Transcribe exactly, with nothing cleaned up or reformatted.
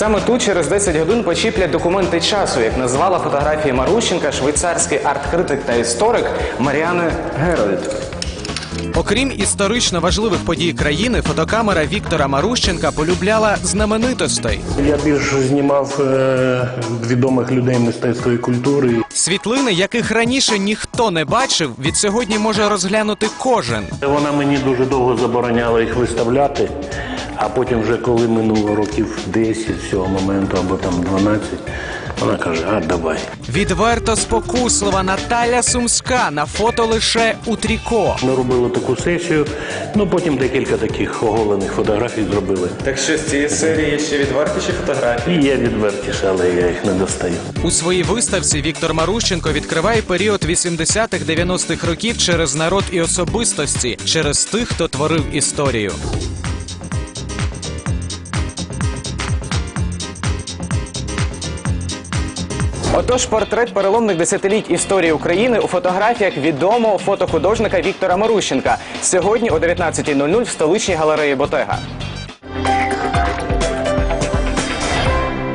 Саме тут через десять годин почіплять документи часу, як назвала фотографії Марущенка швейцарський арт-критик та історик Маріане Герольд. Окрім історично важливих подій країни, фотокамера Віктора Марущенка полюбляла знаменитостей. Я більше знімав е відомих людей мистецтва і культури. Світлини, яких раніше ніхто не бачив, від сьогодні може розглянути кожен. Вона мені дуже довго забороняла їх виставляти, а потім вже коли минуло років десять з цього моменту або там дванадцять, вона каже: а давай. Відверто спокуслива Наталя Сумська на фото лише у тріко. Ми робили таку сесію, ну потім декілька таких оголених фотографій зробили. Так що з цієї серії є ще відвертіші фотографії? І є відвертіше, але я їх не достаю. У своїй виставці Віктор Марущенко відкриває період вісімдесятих-дев'яностих років через народ і особистості, через тих, хто творив історію. Отож, портрет переломних десятиліть історії України у фотографіях відомого фотохудожника Віктора Марущенка. Сьогодні о дев'ятнадцятій нуль нуль в столичній галереї Ботега.